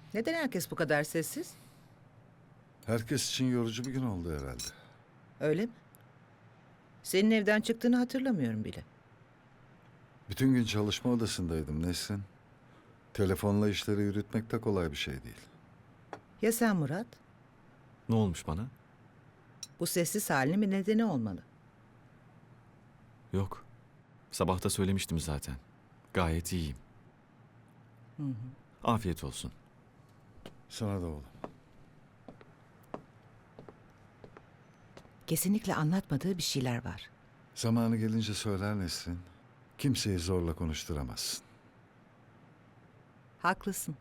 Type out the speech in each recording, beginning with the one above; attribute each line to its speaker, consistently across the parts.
Speaker 1: Neden herkes bu kadar sessiz?
Speaker 2: Herkes için yorucu bir gün oldu herhalde.
Speaker 1: Öyle mi? Senin evden çıktığını hatırlamıyorum bile.
Speaker 2: Bütün gün çalışma odasındaydım Nesrin. Telefonla işleri yürütmek de kolay bir şey değil.
Speaker 1: Ya sen Murat?
Speaker 3: Ne olmuş bana?
Speaker 1: Bu sessiz halinin bir nedeni olmalı.
Speaker 3: Yok. Sabah da söylemiştim zaten. Gayet iyiyim. Afiyet olsun.
Speaker 2: Sana da oğlum.
Speaker 1: Kesinlikle anlatmadığı bir şeyler var.
Speaker 2: Zamanı gelince söyler Nesrin. Kimseyi zorla konuşturamazsın.
Speaker 1: Haklısın.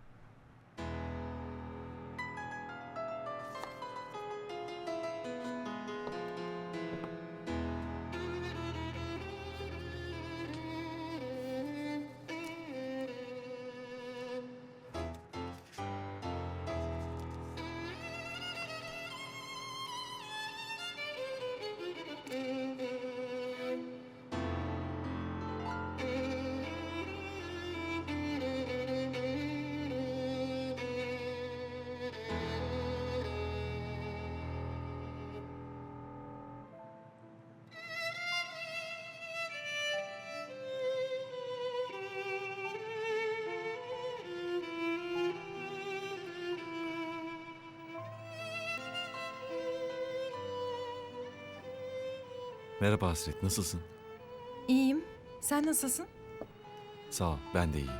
Speaker 3: Merhaba Hasret, nasılsın?
Speaker 4: İyiyim. Sen nasılsın?
Speaker 3: Sağ ol, ben de iyiyim.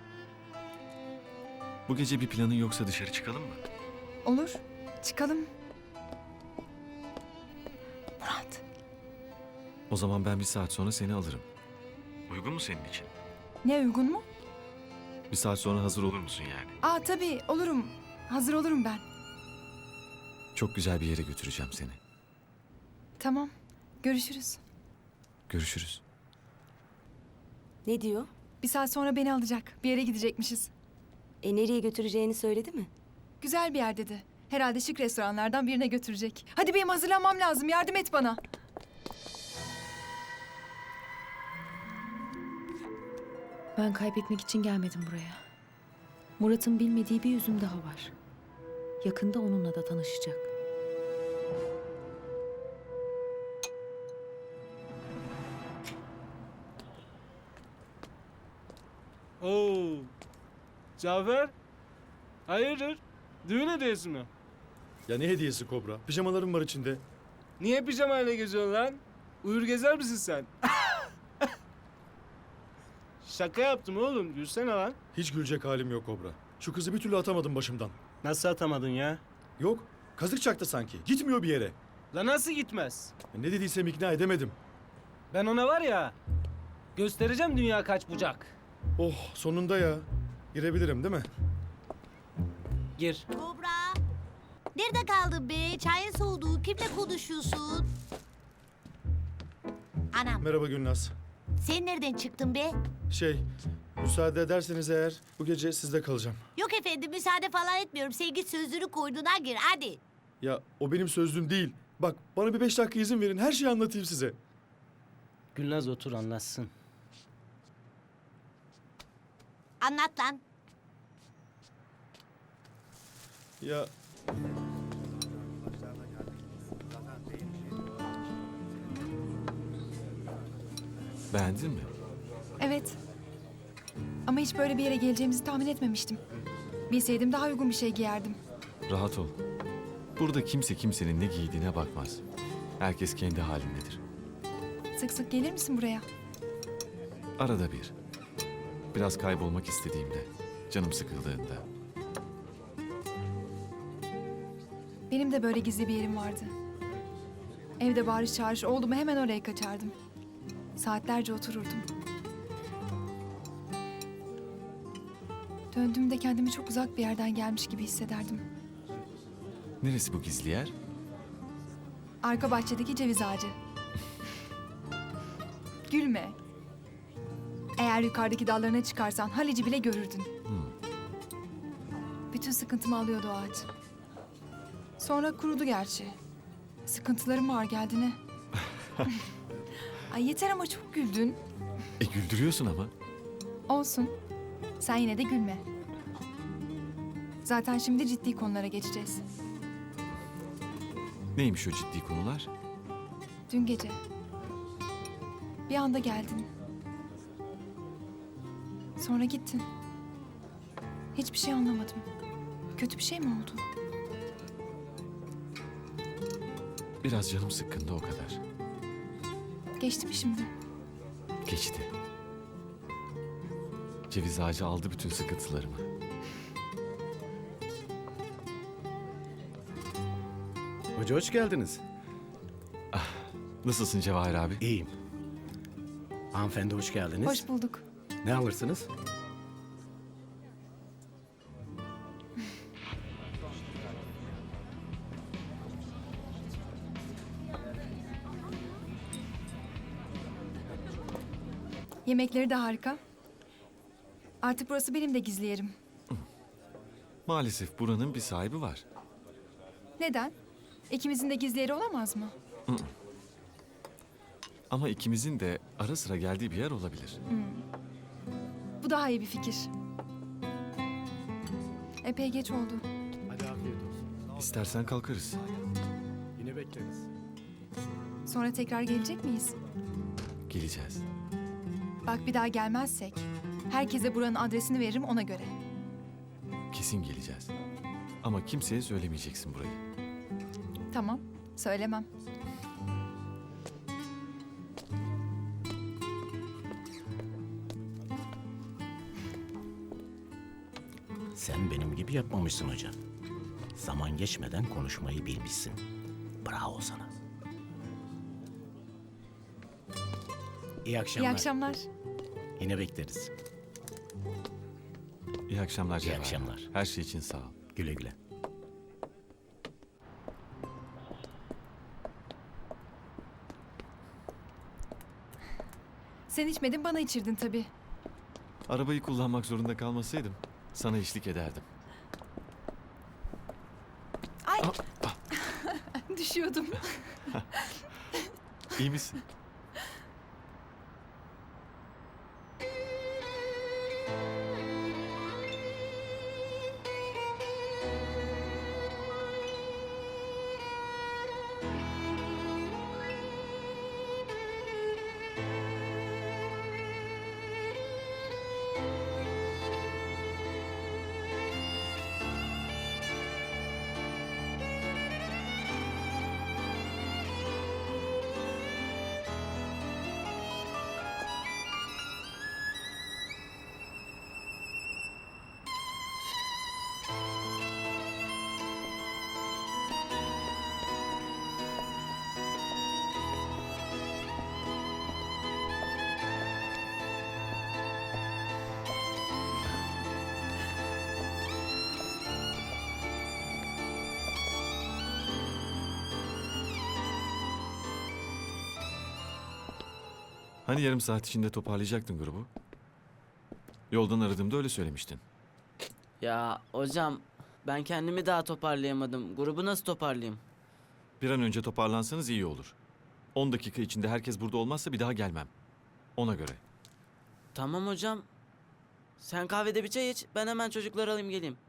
Speaker 3: Bu gece bir planın yoksa dışarı çıkalım mı?
Speaker 4: Olur. Çıkalım. Murat.
Speaker 3: O zaman ben bir saat sonra seni alırım. Uygun mu senin için?
Speaker 4: Ne uygun mu?
Speaker 3: Bir saat sonra hazır olur musun yani?
Speaker 4: Aa tabii olurum. Hazır olurum ben.
Speaker 3: Çok güzel bir yere götüreceğim seni.
Speaker 4: Tamam. Görüşürüz.
Speaker 3: Görüşürüz.
Speaker 5: Ne diyor?
Speaker 4: Bir saat sonra beni alacak. Bir yere gidecekmişiz.
Speaker 5: Nereye götüreceğini söyledi mi?
Speaker 4: Güzel bir yer dedi. Herhalde şık restoranlardan birine götürecek. Hadi benim hazırlanmam lazım. Yardım et bana.
Speaker 6: Ben kaybetmek için gelmedim buraya. Murat'ın bilmediği bir yüzüm daha var. Yakında onunla da tanışacak.
Speaker 7: Oo. Cafer. Hayırdır? Düğün hediyesi mi?
Speaker 8: Ya ne hediyesi Kobra? Pijamalarım var içinde.
Speaker 7: Niye pijamayla geziyorsun lan? Uyur gezer misin sen? Şaka yaptım oğlum. Gülsene lan.
Speaker 8: Hiç gülecek halim yok Kobra. Şu kızı bir türlü atamadım başımdan.
Speaker 7: Nasıl atamadın ya?
Speaker 8: Yok, kazık çaktı sanki. Gitmiyor bir yere.
Speaker 7: La nasıl gitmez?
Speaker 8: Ne dediysem ikna edemedim.
Speaker 7: Ben ona var ya... Göstereceğim dünya kaç bucak.
Speaker 8: Oh, sonunda ya. Girebilirim değil mi?
Speaker 7: Gir.
Speaker 9: Kobra. Nerede kaldın be? Çayın soğudu. Kimle konuşuyorsun? Anam,
Speaker 8: Merhaba Gülnaz.
Speaker 9: sen nereden çıktın be?
Speaker 8: Müsaade ederseniz eğer bu gece sizde kalacağım.
Speaker 9: Yok efendim, müsaade falan etmiyorum. Sen git sözünü koyduğuna gir, hadi.
Speaker 8: Ya o benim sözlüğüm değil. Bak bana bir 5 dakika izin verin. Her şeyi anlatayım size.
Speaker 7: Gülnaz otur anlatsın.
Speaker 9: Anlat lan.
Speaker 8: Ya
Speaker 3: Beğendin mi?
Speaker 4: Evet. Ama hiç böyle bir yere geleceğimizi tahmin etmemiştim. Bilseydim daha uygun bir şey giyerdim.
Speaker 3: Rahat ol. Burada kimse kimsenin ne giydiğine bakmaz. Herkes kendi halindedir.
Speaker 4: Sık sık gelir misin buraya?
Speaker 3: Arada bir. Biraz kaybolmak istediğimde, canım sıkıldığında.
Speaker 4: Benim de böyle gizli bir yerim vardı. Evde bağırış çağırış oldu mu hemen oraya kaçardım. Saatlerce otururdum. Döndüğümde kendimi çok uzak bir yerden gelmiş gibi hissederdim.
Speaker 3: Neresi bu gizli yer?
Speaker 4: Arka bahçedeki ceviz ağacı. Gülme. Eğer yukarıdaki dallarına çıkarsan Halic'i bile görürdün. Bütün sıkıntımı alıyordu o ağaç. Sonra kurudu gerçi. Sıkıntılarım ağır geldi ne? Ay yeter ama çok güldün.
Speaker 3: Güldürüyorsun ama.
Speaker 4: Olsun. Sen yine de gülme. Zaten şimdi ciddi konulara geçeceğiz.
Speaker 3: Neymiş o ciddi konular?
Speaker 4: Dün gece. Bir anda geldin. Sonra gittin. Hiçbir şey anlamadım. Kötü bir şey mi oldu?
Speaker 3: Biraz canım sıkkındı o kadar.
Speaker 4: Geçti mi şimdi?
Speaker 3: Geçti. Ceviz ağacı aldı bütün sıkıntılarımı.
Speaker 10: Hoca hoş geldiniz.
Speaker 3: Nasılsın Cevahir abi?
Speaker 10: İyiyim. Hanımefendi hoş geldiniz.
Speaker 4: Hoş bulduk.
Speaker 10: Ne alırsınız?
Speaker 4: Yemekleri de harika. Artık burası benim de gizli yerim.
Speaker 3: Maalesef buranın bir sahibi var.
Speaker 4: Neden? İkimizin de gizli yeri olamaz mı?
Speaker 3: Ama ikimizin de ara sıra geldiği bir yer olabilir.
Speaker 4: Bu daha iyi bir fikir. Epey geç oldu.
Speaker 10: Hadi afiyet olsun.
Speaker 3: İstersen kalkarız.
Speaker 10: Yine bekleriz.
Speaker 4: Sonra tekrar gelecek miyiz?
Speaker 3: Geleceğiz.
Speaker 4: Bak bir daha gelmezsek herkese buranın adresini veririm ona göre.
Speaker 3: Kesin geleceğiz. Ama kimseye söylemeyeceksin burayı.
Speaker 4: Tamam, söylemem.
Speaker 10: Sen benim gibi yapmamışsın hocam. Zaman geçmeden konuşmayı bilmişsin. Bravo sana. İyi akşamlar.
Speaker 4: İyi akşamlar.
Speaker 10: Yine bekleriz.
Speaker 3: İyi akşamlar
Speaker 10: İyi
Speaker 3: Cevahir.
Speaker 10: akşamlar.
Speaker 3: Her şey için sağ ol.
Speaker 10: Güle güle.
Speaker 4: Sen içmedin bana içirdin tabii.
Speaker 3: Arabayı kullanmak zorunda kalmasaydım sana eşlik ederdim.
Speaker 4: Ay! Düşüyordum.
Speaker 3: İyi misin? Hani yarım saat içinde toparlayacaktın grubu? Yoldan aradığımda öyle söylemiştin.
Speaker 11: Ya hocam ben kendimi daha toparlayamadım. Grubu nasıl toparlayayım?
Speaker 3: Bir an önce toparlansanız iyi olur. 10 dakika içinde herkes burada olmazsa bir daha gelmem. Ona göre.
Speaker 11: Tamam hocam. Sen kahvede bir çay iç. Ben hemen çocukları alayım geleyim.